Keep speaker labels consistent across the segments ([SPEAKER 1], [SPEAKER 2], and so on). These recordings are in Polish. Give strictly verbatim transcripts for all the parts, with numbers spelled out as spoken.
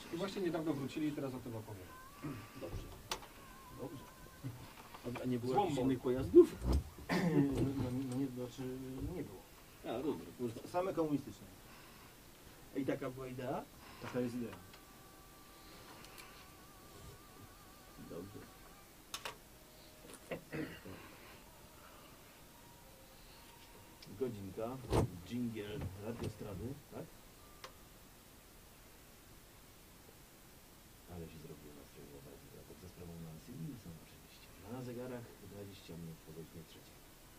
[SPEAKER 1] I właśnie niedawno wrócili i teraz o tym opowiem.
[SPEAKER 2] Dobrze. Dobrze. A nie było
[SPEAKER 1] Złą
[SPEAKER 2] jakichś
[SPEAKER 1] mowę.
[SPEAKER 2] innych pojazdów?
[SPEAKER 3] No, no nie, znaczy nie było.
[SPEAKER 2] A, dobra.
[SPEAKER 3] Same komunistyczne.
[SPEAKER 2] I taka była idea?
[SPEAKER 3] Taka jest idea.
[SPEAKER 2] Dobrze. Godzinka, dżingiel radiostrady, tak? Ale się zrobiło nastrojowo bardziej, a pod za sprawą Nancy Wilson oczywiście. Na zegarach dwadzieścia minut po godzinie trzeciej.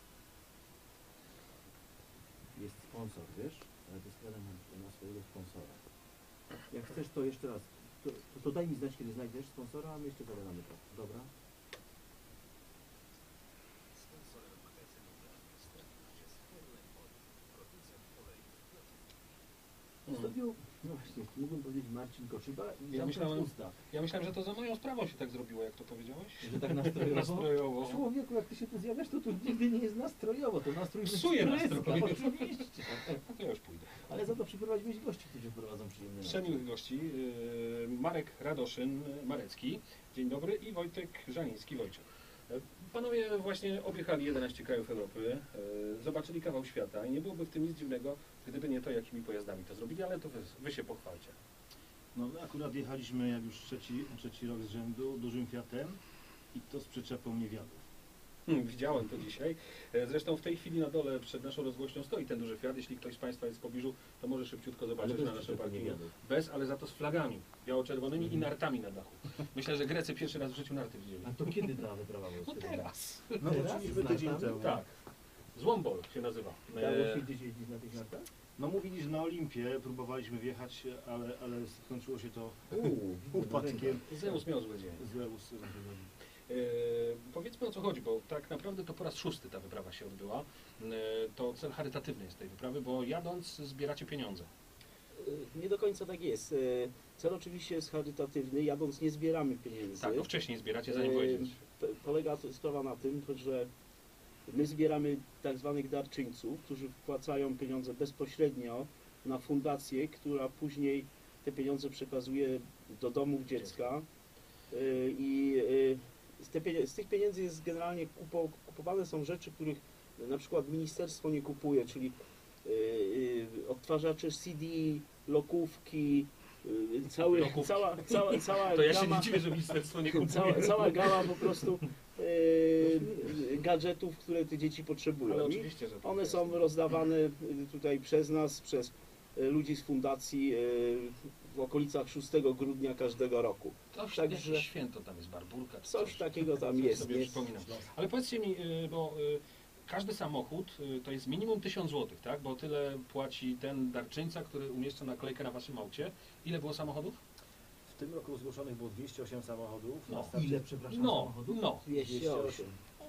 [SPEAKER 2] Jest sponsor, wiesz? Radiostrada ma, ma swojego sponsora. Jak chcesz, to jeszcze raz. To, to, to daj mi znać, kiedy znajdziesz sponsora, a my jeszcze pogadamy to. Dobra? Zrobił, no właśnie, mógłbym powiedzieć Marcin Koszyba i
[SPEAKER 1] Ja
[SPEAKER 2] zamknąć
[SPEAKER 1] myślałem-
[SPEAKER 2] usta.
[SPEAKER 1] Ja myślałem, że to za moją sprawą się tak zrobiło, jak to powiedziałeś.
[SPEAKER 2] Że tak nastrojowo?
[SPEAKER 1] Nastrojowo.
[SPEAKER 2] Człowieku, jak ty się tu zjawiasz, to tu nigdy nie jest nastrojowo, to nastrój
[SPEAKER 1] Psuje
[SPEAKER 2] wytryska,
[SPEAKER 1] nastrój.
[SPEAKER 2] oczywiście.
[SPEAKER 1] No to ja już pójdę.
[SPEAKER 2] Ale za to przyprowadziłeś gości, którzy prowadzą przyjemny
[SPEAKER 1] Przemiłych gości. yy, Marek Radoszyn, Marecki. Dzień dobry. I Wojtek Żaniński, Wojciech. Yy, Panowie właśnie objechali jedenaście krajów Europy, yy, zobaczyli kawał świata i nie byłoby w tym nic dziwnego, gdyby nie to, jakimi pojazdami to zrobili, ale to wy, wy się pochwalcie.
[SPEAKER 3] No my akurat jechaliśmy jak już trzeci, trzeci rok z rzędu dużym Fiatem i to z przyczepą niewiadów.
[SPEAKER 1] Hmm, widziałem to dzisiaj. E, Zresztą w tej chwili na dole przed naszą rozgłośnią stoi ten duży Fiat. Jeśli ktoś z Państwa jest w pobliżu, to może szybciutko zobaczyć
[SPEAKER 2] bez
[SPEAKER 1] na naszym
[SPEAKER 2] przyczepy
[SPEAKER 1] parkingu.
[SPEAKER 2] niewiadów.
[SPEAKER 1] Bez, ale za to z flagami biało-czerwonymi i nartami na dachu. Myślę, że Grecy pierwszy raz w życiu narty widzieli.
[SPEAKER 2] A to kiedy ta wyprawa była?
[SPEAKER 1] No teraz.
[SPEAKER 3] No
[SPEAKER 2] Teraz?
[SPEAKER 3] wróciliśmy
[SPEAKER 2] Z
[SPEAKER 3] tydzień
[SPEAKER 2] nartami?
[SPEAKER 3] temu.
[SPEAKER 1] Tak. Złombol się nazywa.
[SPEAKER 2] Dało
[SPEAKER 1] E,
[SPEAKER 2] się gdzieś jeździć na tych nartach?
[SPEAKER 3] No mówili, że na Olimpie próbowaliśmy wjechać, ale, ale skończyło się to
[SPEAKER 2] Uuu,
[SPEAKER 3] upadkiem.
[SPEAKER 1] Zeus miał zły dzień.
[SPEAKER 3] Złe usy.
[SPEAKER 1] E, powiedzmy, o co chodzi, bo tak naprawdę to po raz szósty ta wyprawa się odbyła. E, to cel charytatywny jest tej wyprawy, bo jadąc zbieracie pieniądze.
[SPEAKER 4] Nie do końca tak jest. Cel oczywiście jest charytatywny, jadąc nie zbieramy pieniędzy.
[SPEAKER 1] Tak, to wcześniej zbieracie, zanim
[SPEAKER 4] E,
[SPEAKER 1] pojedziecie.
[SPEAKER 4] p- Polega to sprawa na tym, że my zbieramy tak zwanych darczyńców, którzy wpłacają pieniądze bezpośrednio na fundację, która później te pieniądze przekazuje do domów dziecka. E, I e, z, te pienie- z tych pieniędzy jest generalnie kupo, kupowane są rzeczy, których na przykład ministerstwo nie kupuje, czyli e, e, odtwarzacze C D, lokówki, e, cały,
[SPEAKER 1] Lokówki.
[SPEAKER 4] cała, cała, cała
[SPEAKER 1] To ja się
[SPEAKER 4] gama,
[SPEAKER 1] nie dziwię, że ministerstwo nie kupuje.
[SPEAKER 4] cała, cała gama po prostu e, gadżetów, które te dzieci
[SPEAKER 1] Ale
[SPEAKER 4] potrzebują. I
[SPEAKER 1] oczywiście, że tak
[SPEAKER 4] one
[SPEAKER 1] jest.
[SPEAKER 4] są rozdawane e, tutaj przez nas, przez e, ludzi z fundacji e, w okolicach szóstego grudnia każdego roku.
[SPEAKER 1] Coś,
[SPEAKER 4] Także-
[SPEAKER 1] jakieś święto tam jest, Barburka czy
[SPEAKER 4] Coś takiego tam
[SPEAKER 1] Coś
[SPEAKER 4] jest.
[SPEAKER 1] sobie
[SPEAKER 4] nie?
[SPEAKER 1] przypominam. Ale powiedzcie mi, y, bo y, każdy samochód y, to jest minimum tysiąc złotych, tak? Bo tyle płaci ten darczyńca, który umieszcza naklejkę na waszym aucie. Ile było samochodów?
[SPEAKER 3] W tym roku zgłoszonych było dwieście osiem samochodów.
[SPEAKER 1] No,
[SPEAKER 3] Na starcie-
[SPEAKER 2] Ile, przepraszam,
[SPEAKER 1] No,
[SPEAKER 2] samochodów?
[SPEAKER 1] no.
[SPEAKER 4] dwieście osiem.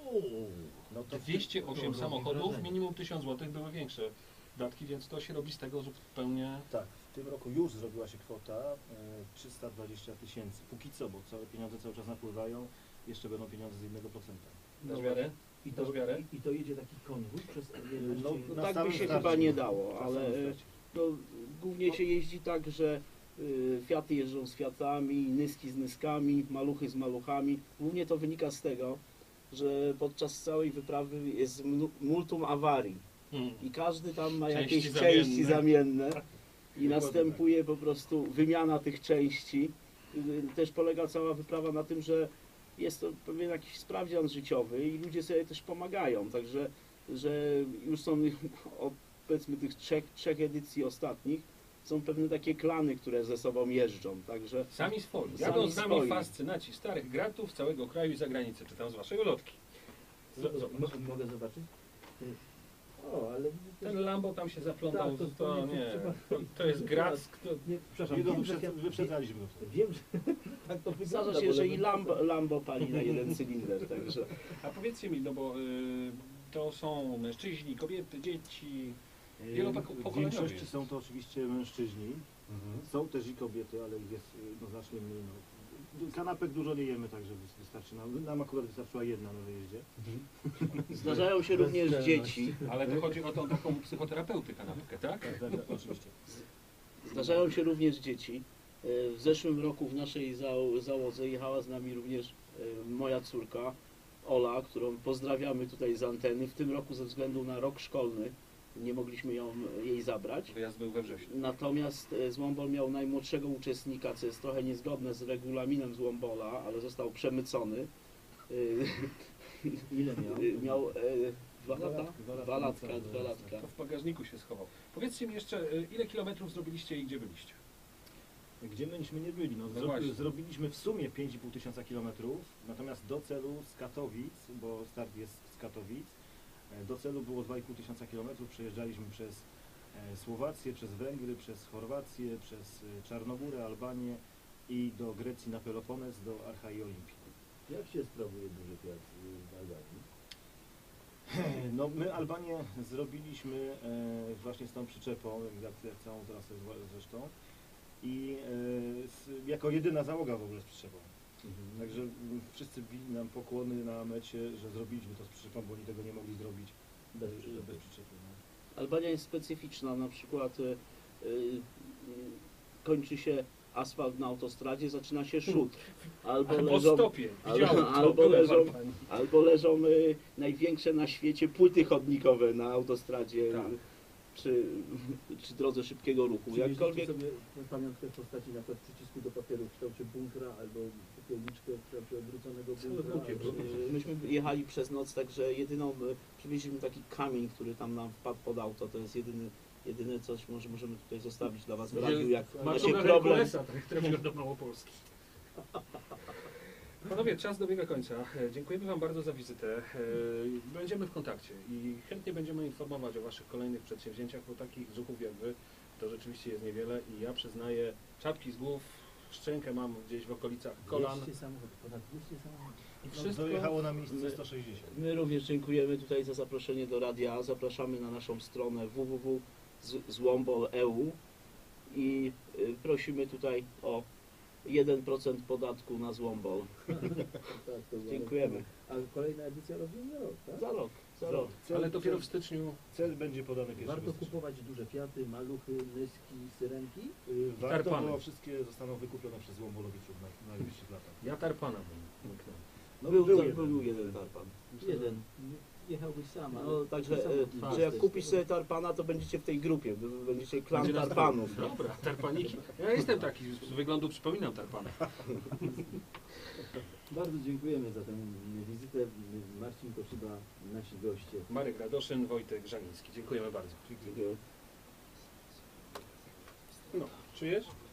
[SPEAKER 3] No to w
[SPEAKER 1] dwieście osiem
[SPEAKER 2] to
[SPEAKER 1] samochodów,
[SPEAKER 2] wrażenie.
[SPEAKER 1] minimum tysiąc złotych, były większe datki, więc to się robi z tego zupełnie...
[SPEAKER 3] Tak, w tym roku już zrobiła się kwota e, trzysta dwadzieścia tysięcy. Póki co, bo całe pieniądze cały czas napływają, jeszcze będą pieniądze z jednego procenta.
[SPEAKER 1] Dasz wiarę?
[SPEAKER 2] I to,
[SPEAKER 1] Dasz wiarę?
[SPEAKER 2] i, I to jedzie taki konwój przez
[SPEAKER 3] No,
[SPEAKER 4] No
[SPEAKER 3] na
[SPEAKER 4] tak by
[SPEAKER 3] samym
[SPEAKER 4] się
[SPEAKER 3] starcie.
[SPEAKER 4] chyba nie dało,
[SPEAKER 3] Na
[SPEAKER 4] ale
[SPEAKER 3] samym
[SPEAKER 4] e,
[SPEAKER 3] starcie.
[SPEAKER 4] no, głównie się jeździ tak, że y, Fiaty jeżdżą z Fiatami, Nyski z Nyskami, Maluchy z Maluchami. Głównie to wynika z tego, że podczas całej wyprawy jest mnu- multum awarii
[SPEAKER 1] Hmm.
[SPEAKER 4] i każdy tam ma
[SPEAKER 1] Części
[SPEAKER 4] jakieś
[SPEAKER 1] zamienne.
[SPEAKER 4] części zamienne i
[SPEAKER 3] Dokładnie
[SPEAKER 4] następuje po prostu wymiana tych części. Y, Też polega cała wyprawa na tym, że jest to pewien jakiś sprawdzian życiowy i ludzie sobie też pomagają, także że już są od powiedzmy tych trzech, trzech edycji ostatnich są pewne takie klany, które ze sobą jeżdżą, także
[SPEAKER 1] Sami swoi.
[SPEAKER 4] Sami
[SPEAKER 1] Jadą z nami
[SPEAKER 4] swoi.
[SPEAKER 1] fascynaci starych gratów z całego kraju i zagranicy. Czytam z waszej ulotki. Z- Zobacz.
[SPEAKER 2] Mo- Mogę zobaczyć? O, ale...
[SPEAKER 1] Ten Lambo tam się zaplątał,
[SPEAKER 2] Tak, to-
[SPEAKER 1] to,
[SPEAKER 2] to nie-
[SPEAKER 1] nie,
[SPEAKER 2] trzeba-
[SPEAKER 1] to, to jest grat, kto,
[SPEAKER 2] Nie, przepraszam,
[SPEAKER 3] Nie, no,
[SPEAKER 2] wiem, że
[SPEAKER 3] wyprzed,
[SPEAKER 2] Fiat-
[SPEAKER 3] wyprzedzaliśmy go wtedy.
[SPEAKER 2] Wiem, że tak to wygląda.
[SPEAKER 4] zdarza się,
[SPEAKER 2] bo
[SPEAKER 4] że i
[SPEAKER 2] nawet-
[SPEAKER 4] Lambo, Lambo pali na jeden cylinder, także
[SPEAKER 1] A powiedzcie mi, no bo y, to są mężczyźni, kobiety, dzieci.
[SPEAKER 3] W
[SPEAKER 1] Wielopokoleniowi
[SPEAKER 3] większości
[SPEAKER 1] jest.
[SPEAKER 3] są to oczywiście mężczyźni. Są też i kobiety, ale ich jest y, no, znacznie mniej. No. Kanapek dużo nie jemy, także wys- wystarczy nam. Nam akurat wystarczyła jedna na wyjeździe.
[SPEAKER 4] zdarzają się również dzieci.
[SPEAKER 1] Ale to chodzi o tą taką psychoterapeuty kanapkę, tak?
[SPEAKER 3] Tak, tak, tak, oczywiście.
[SPEAKER 4] Zdarzają się również dzieci. E, W zeszłym roku w naszej zał- załodze jechała z nami również e, moja córka Ola, którą pozdrawiamy tutaj z anteny. W tym roku ze względu na rok szkolny nie mogliśmy ją, jej zabrać.
[SPEAKER 1] Wyjazd był we wrześniu.
[SPEAKER 4] Natomiast e, Złombol miał najmłodszego uczestnika, co jest trochę niezgodne z regulaminem Złombola, ale został przemycony. E,
[SPEAKER 2] Ile miał?
[SPEAKER 4] e, Miał e, dwa
[SPEAKER 2] Dwa
[SPEAKER 4] lata?
[SPEAKER 2] latka, dwa latka,
[SPEAKER 4] Dwa latka,
[SPEAKER 2] niecałe
[SPEAKER 4] dwa
[SPEAKER 2] dwa
[SPEAKER 4] latka.
[SPEAKER 1] To w bagażniku się schował. Powiedzcie mi jeszcze, y, ile kilometrów zrobiliście i gdzie byliście?
[SPEAKER 3] Gdzie myśmy nie byli? No,
[SPEAKER 1] No
[SPEAKER 3] zro-
[SPEAKER 1] właśnie.
[SPEAKER 3] zrobiliśmy w sumie pięć i pół tysiąca kilometrów, natomiast do celu z Katowic, bo start jest z Katowic, e, do celu było dwa i pół tysiąca kilometrów. Przejeżdżaliśmy przez e, Słowację, przez Węgry, przez Chorwację, przez e, Czarnogórę, Albanię i do Grecji na Peloponez, do Archa i Olimpii.
[SPEAKER 2] Jak się sprawuje duży Fiat w Albanii?
[SPEAKER 3] No my Albanię zrobiliśmy e, właśnie z tą przyczepą, jak, jak całą trasę zwa- zresztą i e, z, jako jedyna załoga w ogóle z przyczepą. Także mm, wszyscy bili nam pokłony na mecie, że zrobiliśmy to z przyczepą, bo oni tego nie mogli zrobić
[SPEAKER 2] Bez
[SPEAKER 3] e,
[SPEAKER 2] przyczepy.
[SPEAKER 3] bez przyczepy. No.
[SPEAKER 4] Albania jest specyficzna, na przykład y, y, kończy się asfalt na autostradzie, zaczyna się szut. Albo
[SPEAKER 1] Albo
[SPEAKER 4] leżą,
[SPEAKER 1] stopie.
[SPEAKER 4] albo-
[SPEAKER 1] Widziałem to,
[SPEAKER 4] albo
[SPEAKER 1] byłem w
[SPEAKER 4] leżą-
[SPEAKER 1] Albanii.
[SPEAKER 4] albo leżą y, największe na świecie płyty chodnikowe na autostradzie
[SPEAKER 1] Tak.
[SPEAKER 4] czy, czy drodze szybkiego ruchu.
[SPEAKER 2] Przywieźliście
[SPEAKER 4] Jakkolwiek
[SPEAKER 2] sobie pamiątkę w postaci na przykład przycisku do papieru w kształcie bunkra albo popielniczkę w kształcie odwróconego
[SPEAKER 1] Co
[SPEAKER 2] bunkra.
[SPEAKER 1] głupie
[SPEAKER 2] albo-
[SPEAKER 1] było.
[SPEAKER 4] y, myśmy jechali przez noc, także jedyną, y, przywieźliśmy taki kamień, który tam nam wpadł pod auto, to jest jedyny, jedyne coś, może możemy tutaj zostawić dla Was w radiu, jak macie
[SPEAKER 1] Macie
[SPEAKER 4] problem.
[SPEAKER 1] Herkulesa, tak trafił do Małopolski. Panowie, czas dobiega końca. E, Dziękujemy Wam bardzo za wizytę. E, Będziemy w kontakcie i chętnie będziemy informować o Waszych kolejnych przedsięwzięciach, bo takich zuchów jak Wy to rzeczywiście jest niewiele i ja przyznaję, czapki z głów, szczękę mam gdzieś w okolicach kolan.
[SPEAKER 2] dwieście samochodów, ponad dwieście samochodów.
[SPEAKER 1] I
[SPEAKER 3] No,
[SPEAKER 1] wszystko
[SPEAKER 3] dojechało na miejsce
[SPEAKER 4] my-
[SPEAKER 3] sto sześćdziesiąt.
[SPEAKER 4] My również dziękujemy tutaj za zaproszenie do radia. Zapraszamy na naszą stronę w w w kropka złombol kropka e u i y, prosimy tutaj o jeden procent podatku na Złombol.
[SPEAKER 2] Tak, to za
[SPEAKER 4] Dziękujemy.
[SPEAKER 2] rok. A kolejna edycja rozumie rok, tak?
[SPEAKER 4] Za rok, za rok.
[SPEAKER 3] Cel,
[SPEAKER 1] Ale dopiero w
[SPEAKER 3] cel,
[SPEAKER 1] styczniu
[SPEAKER 3] cel będzie podany pierwszy
[SPEAKER 2] Warto
[SPEAKER 3] stycznia.
[SPEAKER 2] kupować duże Fiaty, maluchy, nyski, syrenki?
[SPEAKER 3] Y, Warto,
[SPEAKER 1] Tarpany.
[SPEAKER 3] bo wszystkie zostaną wykupione przez Złombolowiczów w najbliższych latach.
[SPEAKER 1] ja tarpana bym łyknął.
[SPEAKER 3] No,
[SPEAKER 4] był,
[SPEAKER 3] był
[SPEAKER 4] był,
[SPEAKER 3] jeden.
[SPEAKER 4] był jeden tarpan.
[SPEAKER 2] Jeden. Jechałbyś sam, ale
[SPEAKER 4] No, także,
[SPEAKER 2] taki
[SPEAKER 4] e,
[SPEAKER 2] samochód
[SPEAKER 4] że jak
[SPEAKER 2] też.
[SPEAKER 4] kupisz sobie tarpana, to będziecie w tej grupie, wy- wy będziecie klan
[SPEAKER 1] Będzie nas
[SPEAKER 4] tarpanów.
[SPEAKER 1] dwóch. Dobra, tarpaniki. Ja jestem taki, z wyglądu przypominam tarpana.
[SPEAKER 2] Bardzo dziękujemy za tę wizytę. Marcin Koszyba, nasi goście.
[SPEAKER 1] Marek Radoszyn, Wojtek Żaniński. Dziękujemy bardzo.
[SPEAKER 4] Dziękuję.
[SPEAKER 1] No, czujesz?